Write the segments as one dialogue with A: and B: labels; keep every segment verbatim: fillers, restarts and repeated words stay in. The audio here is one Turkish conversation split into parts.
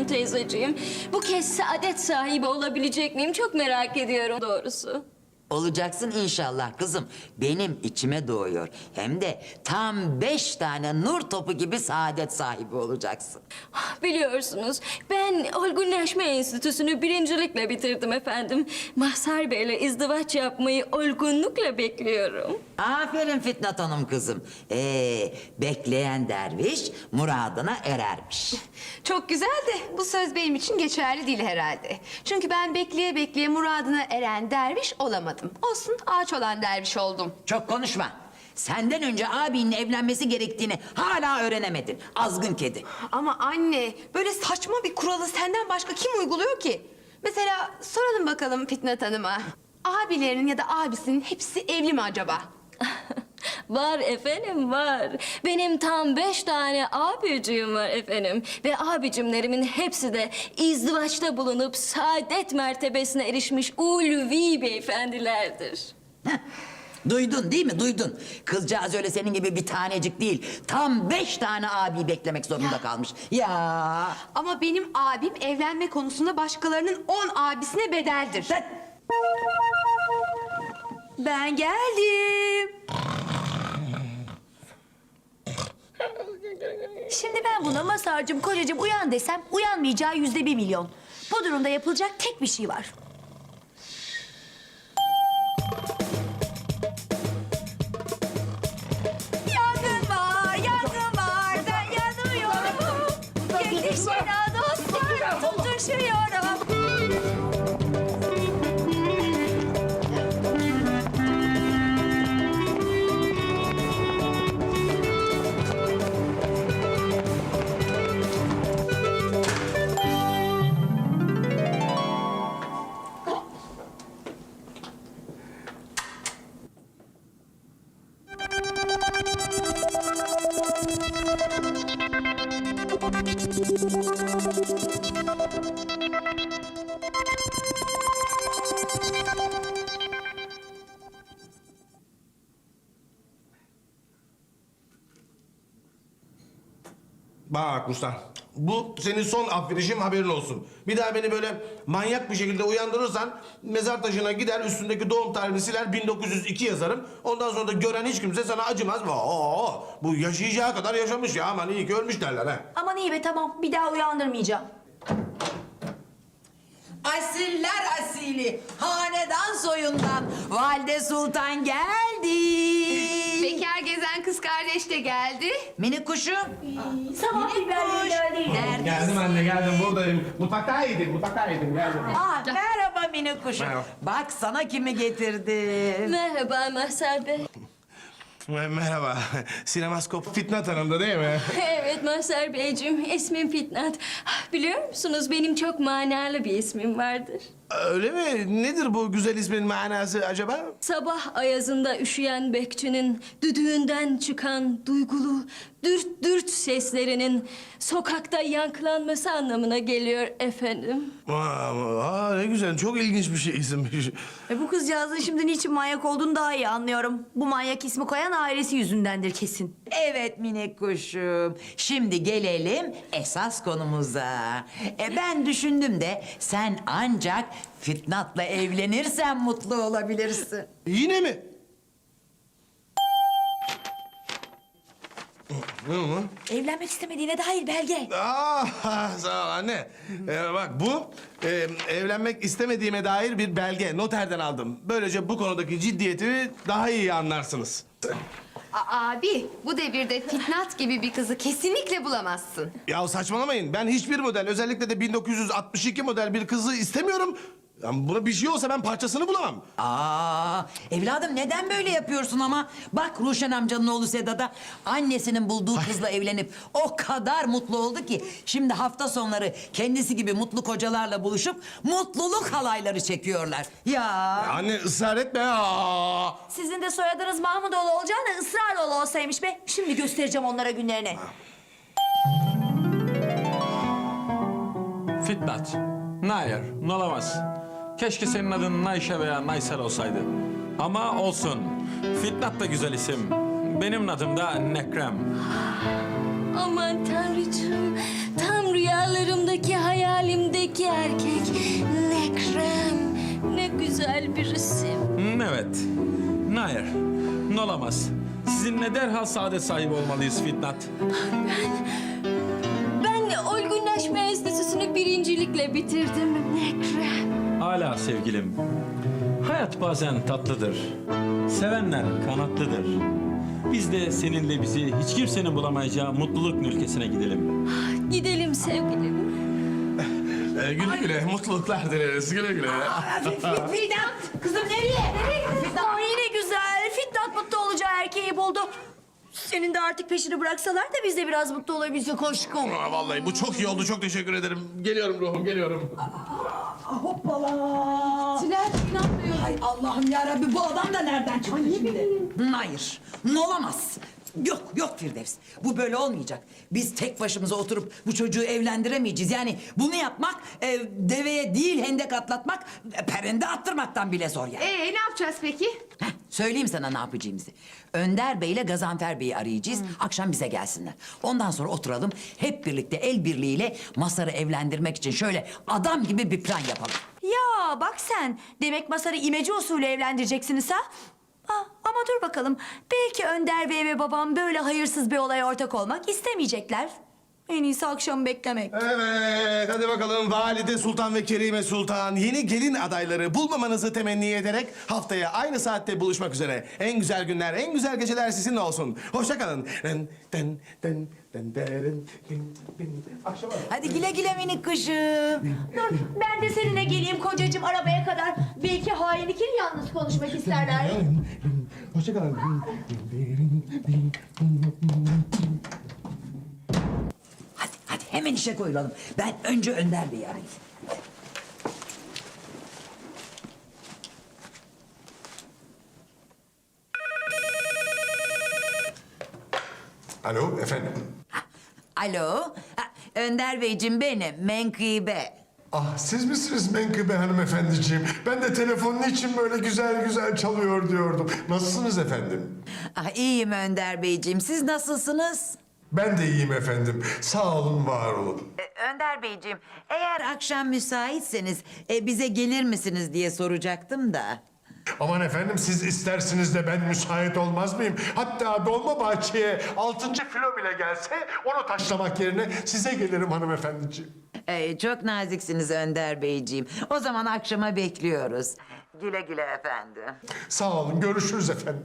A: teyzeciğim. Bu kez saadet sahibi olabilecek miyim çok merak ediyorum doğrusu.
B: Olacaksın inşallah kızım. Benim içime doğuyor. Hem de tam beş tane nur topu gibi saadet sahibi olacaksın.
A: Biliyorsunuz ben olgunlaşma enstitüsünü birincilikle bitirdim efendim. Mahsar Bey'le izdivaç yapmayı olgunlukla bekliyorum.
B: Aferin Fitnat Hanım kızım. Ee, bekleyen derviş muradına erermiş.
C: Çok güzel de bu söz benim için geçerli değil herhalde. Çünkü ben bekleye bekleye muradına eren derviş olamadım. Olsun ağaç olan derviş oldum.
B: Çok konuşma. Senden önce abinin evlenmesi gerektiğini hala öğrenemedin. Azgın kedi.
C: Ama anne böyle saçma bir kuralı senden başka kim uyguluyor ki? Mesela soralım bakalım Fitnat Hanım'a. Abilerinin ya da abisinin hepsi evli mi acaba?
A: Var efendim var. Benim tam beş tane abicim var efendim. Ve abicimlerimin hepsi de izdivaçta bulunup saadet mertebesine erişmiş ulvi beyefendilerdir.
B: Heh, duydun değil mi? Duydun. Kızcağız öyle senin gibi bir tanecik değil. Tam beş tane abi beklemek zorunda kalmış. Ya.
C: Ama benim abim evlenme konusunda başkalarının on abisine bedeldir.
B: Sen...
D: Ben geldim. Şimdi ben buna Masar'cığım, kocacığım uyan desem uyanmayacağı yüzde bir milyon. Bu durumda yapılacak tek bir şey var. Yangın var, yangın var, ben yanıyorum. Yetişin ha dostlar, tutuşuyorum.
E: Bak Ruslan, bu senin son affedişim, haberin olsun. Bir daha beni böyle manyak bir şekilde uyandırırsan mezar taşına gider, üstündeki doğum tarihini siler, bin dokuz yüz iki yazarım. Ondan sonra da gören hiç kimse sana acımaz. Oo, bu yaşayacağı kadar yaşamış ya, aman iyi ki ölmüş derler ha.
D: Aman iyi be, tamam, bir daha uyandırmayacağım.
B: Asiller asili, hanedan soyundan Valide Sultan geldi.
C: Bekar gezen kız kardeş de geldi.
B: Minik kuşum.
D: Sabah biberleri neredeydi?
B: Nerede?
E: Geldim anne, geldim, buradayım. Mutfaktaydım, mutfaktaydım, geldim.
B: Aa, merhaba minik kuşum.
E: Merhaba.
B: Bak sana kimi getirdim.
A: Merhaba Mahsar Bey.
E: Merhaba, sinemaskop Fitnat Hanım'da değil mi?
A: Evet Mahsar Beyciğim, ismim Fitnat. Biliyor musunuz benim çok manalı bir ismim vardır.
E: Öyle mi? Nedir bu güzel ismin manası acaba?
A: Sabah ayazında üşüyen bekçinin düdüğünden çıkan duygulu dürt dürt seslerinin sokakta yankılanması anlamına geliyor efendim.
E: Aa, aa, ne güzel, çok ilginç bir şey isimmiş.
D: E bu kızcağızın şimdi niçin manyak olduğunu daha iyi anlıyorum. Bu manyak ismi koyan ailesi yüzündendir kesin.
B: Evet minik kuşum. Şimdi gelelim esas konumuza. E ben düşündüm de sen ancak Fitnat'la evlenirsen mutlu olabilirsin.
E: Yine mi? Ne o?
D: Evlenmek istemediğine dair belge.
E: Aa, sağ ol anne. Ee, bak bu e, evlenmek istemediğime dair bir belge. Noterden aldım. Böylece bu konudaki ciddiyetimi daha iyi anlarsınız.
C: A- abi bu devirde Fitnat gibi bir kızı kesinlikle bulamazsın.
E: Ya saçmalamayın. Ben hiçbir model, özellikle de bin dokuz yüz altmış iki model bir kızı istemiyorum. Ya buna bir şey olsa ben parçasını bulamam.
B: Aa, evladım neden böyle yapıyorsun ama? Bak Ruşen amcanın oğlu Sedat'a annesinin bulduğu kızla evlenip o kadar mutlu oldu ki şimdi hafta sonları kendisi gibi mutlu kocalarla buluşup mutluluk halayları çekiyorlar. Ya.
E: Anne ısrar etme. Aa.
D: Sizin de soyadınız Mahmudoğlu olacağına ısrarla olsaymış be. Şimdi göstereceğim onlara günlerini.
F: Fitnat. Hayır, ne olamaz. Keşke senin adın Nayşe veya Naysel olsaydı. Ama olsun. Fitnat da güzel isim. Benim adım da Nekrem.
A: Aman tanrıcığım, tam rüyalarımdaki hayal iki erkek. Ne krem, ne güzel bir resim.
F: Hmm, evet. Hayır, ne olamaz. Sizinle derhal saadet sahibi olmalıyız Fitnat.
A: Ben olgunlaşma enstitüsünü birincilikle bitirdim. Ne krem.
F: Hala sevgilim. Hayat bazen tatlıdır. Sevenler kanatlıdır. Biz de seninle bizi hiç kimsenin bulamayacağı mutluluk ülkesine gidelim.
A: Gidelim sevgilim.
E: Ee, güle güle, mutluluklar dileriz. Güle güle.
D: Fitnat, kızım nereye? Nereye gidiyorsun? Aa, yine güzel. Fitnat mutlu olacağı erkeği buldu. Senin de artık peşini bıraksalar da biz de biraz mutlu olabilsek aşkım.
E: Aa, vallahi bu çok iyi oldu. Çok teşekkür ederim. Geliyorum ruhum, geliyorum.
B: Hoppala.
C: Tülay inanmıyor.
B: Ay Allah'ım ya Rabbi, bu adam da nereden çıktı şimdi? Hayır, olamaz. Yok, yok Firdevs. Bu böyle olmayacak. Biz tek başımıza oturup bu çocuğu evlendiremeyeceğiz. Yani bunu yapmak, e, deveye değil hendek atlatmak, e, perende attırmaktan bile zor yani.
C: Ee ne yapacağız peki?
B: Heh, söyleyeyim sana ne yapacağımızı. Önder Bey ile Gazanfer Bey'i arayacağız. Akşam bize gelsinler. Ondan sonra oturalım. Hep birlikte el birliğiyle Masar'ı evlendirmek için şöyle adam gibi bir plan yapalım.
D: Ya bak sen, demek Masar'ı imece usulü evlendireceksiniz ha? Ah, ama dur bakalım, belki Önder Bey ve babam böyle hayırsız bir olaya ortak olmak istemeyecekler. En iyisi akşamı beklemek.
E: Evet, hadi bakalım Valide Sultan ve Kerime Sultan yeni gelin adayları bulmamanızı temenni ederek haftaya aynı saatte buluşmak üzere. En güzel günler, en güzel geceler sizinle olsun. Hoşça kalın. Den, den, den, den, derin, din, din. Akşama.
B: Hadi güle güle minik kuşum.
D: Dur, ben de seninle geleyim kocacığım arabaya kadar. Belki hain ikili yalnız konuşmak isterler.
E: Hoşça kalın.
B: Hadi, hadi hemen işe koyulalım. Ben önce Önder Bey'i arayayım.
G: Alo efendim.
B: Alo, ha, Önder Beyciğim benim, Menkıbe.
G: Ah siz misiniz Menkıbe hanımefendiciğim? Ben de telefonun için böyle güzel güzel çalıyor diyordum. Nasılsınız efendim?
B: Ah, iyiyim Önder Beyciğim, siz nasılsınız?
G: Ben de iyiyim efendim. Sağ olun, var olun.
B: E, Önder Beyciğim, eğer akşam müsaitseniz e, bize gelir misiniz diye soracaktım da.
G: Aman efendim siz istersiniz de ben müsait olmaz mıyım? Hatta Dolmabahçe'ye altıncı filo bile gelse onu taşlamak yerine size gelirim hanımefendiciğim.
B: E, çok naziksiniz Önder Beyciğim. O zaman akşama bekliyoruz. Güle güle efendim.
G: Sağ olun, görüşürüz efendim.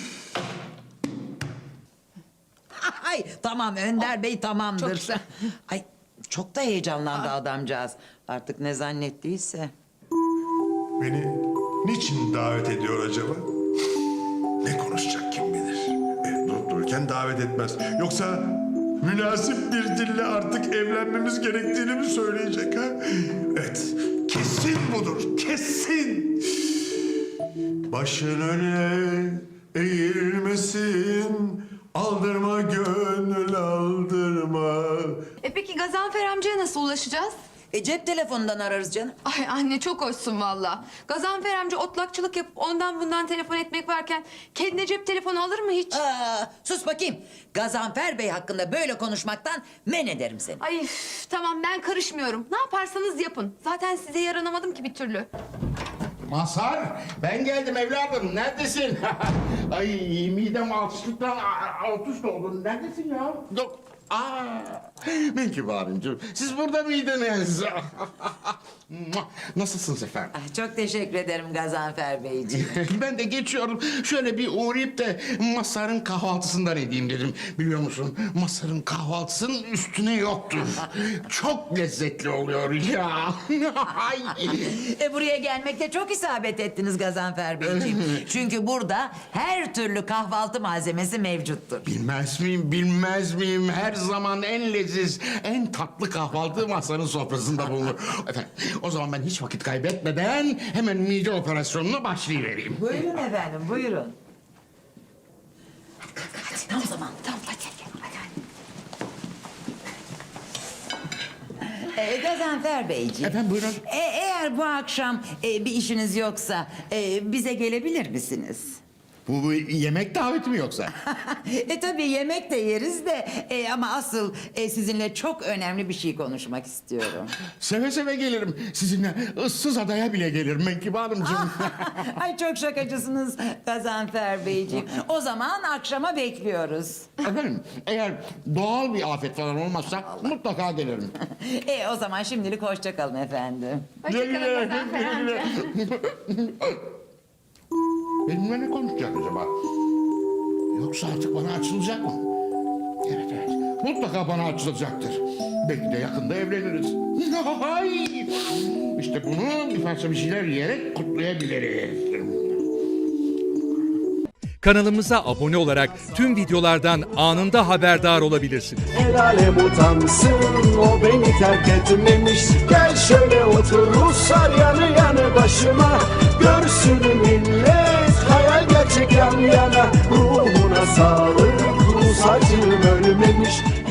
B: Ay tamam Önder Bey tamamdır.
C: çok güzel.
B: Ay çok da heyecanlandı adamcağız. Artık ne zannettiyse.
G: Beni niçin davet ediyor acaba? Ne konuşacak kim bilir? E, durup dururken davet etmez. Yoksa münasip bir dille artık evlenmemiz gerektiğini mi söyleyecek ha? Evet, kesin budur, kesin. Başın öne eğilmesin, aldırma gönül aldırma.
C: E peki Gazanfer amcaya nasıl ulaşacağız?
B: E cep telefonundan ararız canım.
C: Ay anne çok hoşsun valla. Gazanfer amca otlakçılık yapıp ondan bundan telefon etmek varken kendine cep telefonu alır mı hiç?
B: Aa, sus bakayım. Gazanfer Bey hakkında böyle konuşmaktan men ederim seni.
C: Ay üf, tamam ben karışmıyorum. Ne yaparsanız yapın. Zaten size yaranamadım ki bir türlü.
H: Mazhar, ben geldim evladım. Neredesin? Ay midem alçıklıktan alt üst oldu. Neredesin ya? Yok. Aa, Menkıbe abimciğim, siz burada mıydınız? Nasılsınız efendim?
B: Ah, çok teşekkür ederim Gazanfer Beyciğim.
H: Ben de geçiyorum. Şöyle bir uğrayıp da Mazhar'ın kahvaltısından edeyim dedim. Biliyor musun? Mazhar'ın kahvaltısının üstüne yoktur. Çok lezzetli oluyor ya. Ay.
B: E buraya gelmekte çok isabet ettiniz Gazanfer Beyciğim. Çünkü burada her türlü kahvaltı malzemesi mevcuttur.
H: Bilmez miyim, bilmez miyim? Her zaman en leziz, en tatlı kahvaltı Mazhar'ın sofrasında bulunur. Efendim, o zaman ben hiç vakit kaybetmeden hemen mide operasyonuna başlayıvereyim.
B: Buyurun efendim, buyurun. Hadi, hadi, tam zaman, tam hadi, hadi, hadi. Ee, Gazanfer Beyciğim.
H: Efendim, buyurun.
B: E, eğer bu akşam e, bir işiniz yoksa e, bize gelebilir misiniz?
H: Bu, bu yemek daveti mi yoksa?
B: E tabii yemek de yeriz de e, ama asıl e, sizinle çok önemli bir şey konuşmak istiyorum.
H: Seve seve gelirim. Sizinle ıssız adaya bile gelirim Menkıbe Hanımcığım.
B: Ay çok şakacısınız Gazanfer Beyciğim. O zaman akşama bekliyoruz.
H: Efendim eğer doğal bir afet falan olmazsa mutlaka gelirim.
B: E o zaman şimdilik hoşça kalın efendim.
C: Hoşçakalın Gazanfer amca.
H: Benimle ne konuşacak acaba? Yoksa artık bana açılacak mı? Evet evet. Mutlaka bana açılacaktır. Belki de yakında evleniriz. Ay! İşte bunu bir parça bir şeyler yiyerek kutlayabiliriz.
I: Kanalımıza abone olarak tüm videolardan anında haberdar olabilirsiniz.
J: El alem utansın, o beni terk etmemiş. Gel şöyle otur Ruslar yanı yanı başıma. Görsün millet, hayal gerçek yan yana. Ruhuna sağlık, Rus acım ölmemiş.